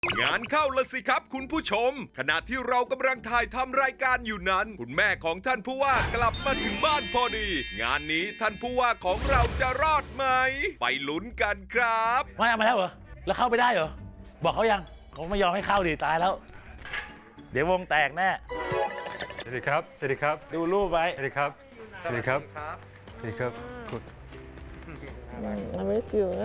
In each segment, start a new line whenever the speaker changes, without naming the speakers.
งานเข้าละสิครับคุณผู้ชมขณะที่เรากำลังถ่ายทำรายการอยู่นั้นคุณแม่ของท่านผู้ว่ากลับมาถึงบ้านพอดี งานนี้ท่านผู้ว่าของเราจะรอดไหมไปลุ้นกันครับ
มาแล้วเหรอแล้วเข้าไปได้เหรอบอกเขายังเขาไม่ยอมให้เข้าดิตายแล้ว เดี๋ยววงแตกแน่
สวัสดีครับ สวัสดีครับ
ดูรูปไว้
สวัสดีครับ สวัสดีครับ สวัสดีครับคุณ
I miss you นะ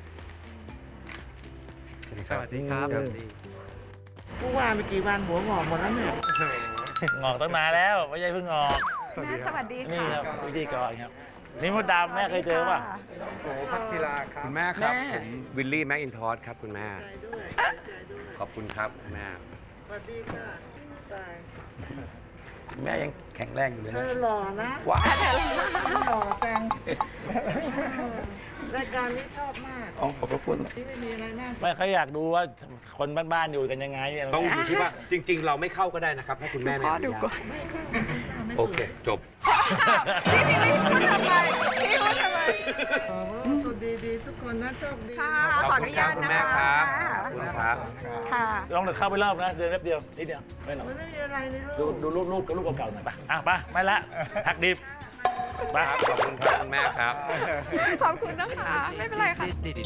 สวัสดีครับ
สวัสดีครับ
ผู้ว่าไปกี่วันหัวหงอกหมดแล้วเนี่ย
งอกตั้งนานแล้วไม่ใช่เพิ่งงอก
สวัสดีครับ
สวัสดี
นี่
ค่ะ
ครับพิธีกรครับนี่มดดำแม่เคยเจอป่ะ
โอ้พักกีฬาครับ
คุณแม่ครับผมวิลลี่แม็กอินทอสครับคุณแม่
ใจด้วยใจด้วย
ขอบคุณครับคุณแม่
สวัสดีค่ะตาย
แม่ยังแข็งแรงอยู่เลย
เธ
นะ
อหล่อนะ
ว้าว
หล่อจังรายการนี้ชอบมาก
อ๋อขอบพระคุณ
ที่ไม่มีอะไรน่า
ไม่เขาอยากดูว่าคนบ้านๆอยู่กันยังไง
ต้องอยู่ที่ว่าจริง ๆ เราไม่เข้าก็ได้นะครับถ้าคุณแม่ไม่
พ่อ
อนุ
ดู
ญา
ก่อ
ต
น
ไม่เข้าไม่
โอเค จบ
พี่พูดทำไมพี่พูดทำไม
สุดดีๆทุกคนนะโชคดี
ค่ะ
ขอบ
ขออ
คุ
นุ
ณครั
ญา
บ
ต
คุณ
นะ
แม่ค
คะ
รับขอบคุณครับ
ค่ะ
ลองเดินเข้าไปรอบนะเดินแป๊บเดียวนิดเดียวไม่หรอก
มันไม่มีอะไรในโล
ดู
ก
รูปเก่าๆหน่อยป่ะอ่ะไปไปละหักดิบไป
ครับขอบคุณครับคุณแม่ครับ
ขอบคุณนะคะ ไม่เป็นไรค่ะ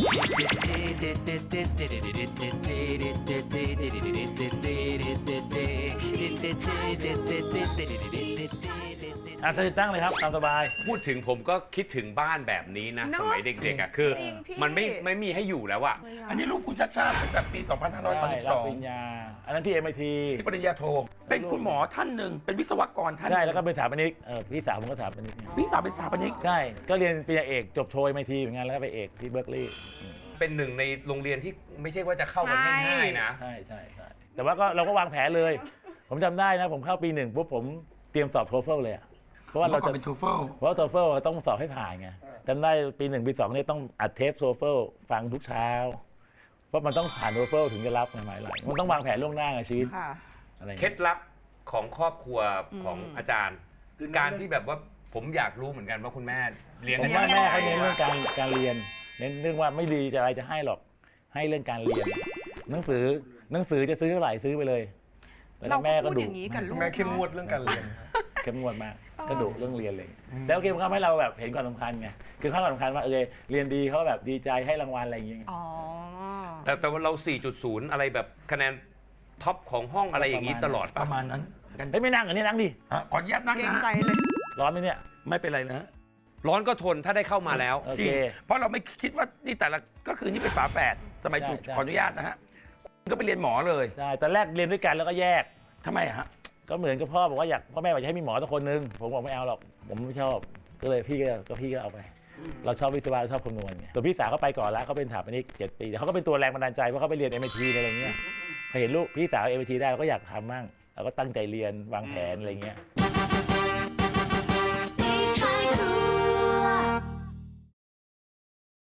อ่ะตั้งเลยครับตามสบาย
พูดถึงผมก็คิดถึงบ้านแบบนี้นะ
เนอะ
สมัยเด็กๆอ่ะคือ
จริงพี่
มันไม่มีให้อยู่แล้วอ่ะ
อันนี้ลูกคุณชาติชาติตั้งแต่ปี
ใช่รับปริญ
2532
ญาอันนั้นที่ MIT
ที่ปริญญาโท เป็นคุณหมอท่านหนึ่ง เป็นวิศวกรท่านห
ใช่
นึ่ง
แล้วก็เป็นสถาปนิกพี่สาวผมก็สถาปนิก
พี่สาวเป็นสถาปนิก
ใช่ก็เรียนปริญญาเอกจบโท MIT เหมือนกันแล้วก็ไปเอกที่เบิร์กลีย์
เป็นหนึ่งในโรงเรียนที่ไม่ใช่ว่าจะเข้ากันง่ายๆนะ
ใช่แต่ว่าก็เราก็วางแผนเลย ผมจำได้นะผมเข้าปีหนึ่งปุ๊บผมเตรียมสอบโทเฟลเลยอะเพราะว่าเรา
เมื่อก่อ
จะ
นเป็นทูเฟิล
เพราะโทเฟลต้องสอบให้ผ่านไงจำได้ปีหนึ่งปีสองเนี่ยต้องอัดเทปโทเฟลฟังทุกเช้า เพราะมันต้องผ่านโทเฟลถึงจะรับหมายหลายมันต้องวางแผนล่วงหน้าไงชีวิต
ค่ะ
อะไรอย่าง
เคล็
เงี้
ด
ย
ลับของครอบครัวของอาจารย์ การที่แบบว่าผมอยากรู้เหมือนกันว่าคุณแม่เลี้ยง
ผมว่าแม่เขาเน้นเรื่องการเรียนเน้นเรื่องว่าไม่ดีจะอะไรจะให้หรอกให้เรื่องการเรียน หนังสือจะซื้อเท่าไหร่ซื้อไปเลยแต่
เรา
แม่
ก็
ก็
พูด
ดุ
อย่างนี้กับลูก
แม่เข้มงวดเรื่องการเรียน
เข้มงวดมากก็ดุเรื่องเรียนเลยแล้วโอเคมันทำให้เราแบบเห็นความสำคัญไงคือความสำคัญว่าเรียนดีเขาแบบดีใจให้รางวัลอะไรอย่างเงี้ย
อ๋อ
แต่ว่าเรา 4.0 อะไรแบบคะแนนท็อปของห้องอะไรอย่างนี้ตลอด
ป
ป่ะ
ระมาณนั้นกัน
เฮ้ยไม่นั่งอันนี้นั่งดิ
ขออนุญาตนั่ง
เกรง
นะ
ใจเลย
ร้อนไหมเนี่ย
ไม่เป็นไรนะ
ร้อนก็ทนถ้าได้เข้ามาแล้ว
โอ
จริ
เค
งเพราะเราไม่คิดว่านี่แต่ละก็คือนี่เป็นฝาแฝดสมัย
ใช่
ถูก
ใช่
ขออนุญาตนะฮะก็ไปเรียนหมอเลย
ใช่ตอนแรกเรียนด้วยกันแล้วก็แยก
ทำไมอะฮะ
ก็เหมือนกับพ่อบอกว่าพ่อแม่อยากจะให้มีหมอสักคนนึงผมบอกไม่เอาหรอกผมไม่ชอบก็เลยพี่ก็เอาไป เราชอบวิศวะเราชอบคำนวณไงส่วนพี่สาวเขาไปก่อนแล้วเขาเป็นสถาปนิก7 ปีแต่เขาก็เป็นตัวแรงบันดาลใจเพราะเขาไปเรียน MIT อะไรเงี้ยพอเห็นลูกพี่สาว MIT ได้เราก็อยากทำมั่งเราก็ตั้งใจเรียนวางแผนอะไรเงี้ย
你太酷。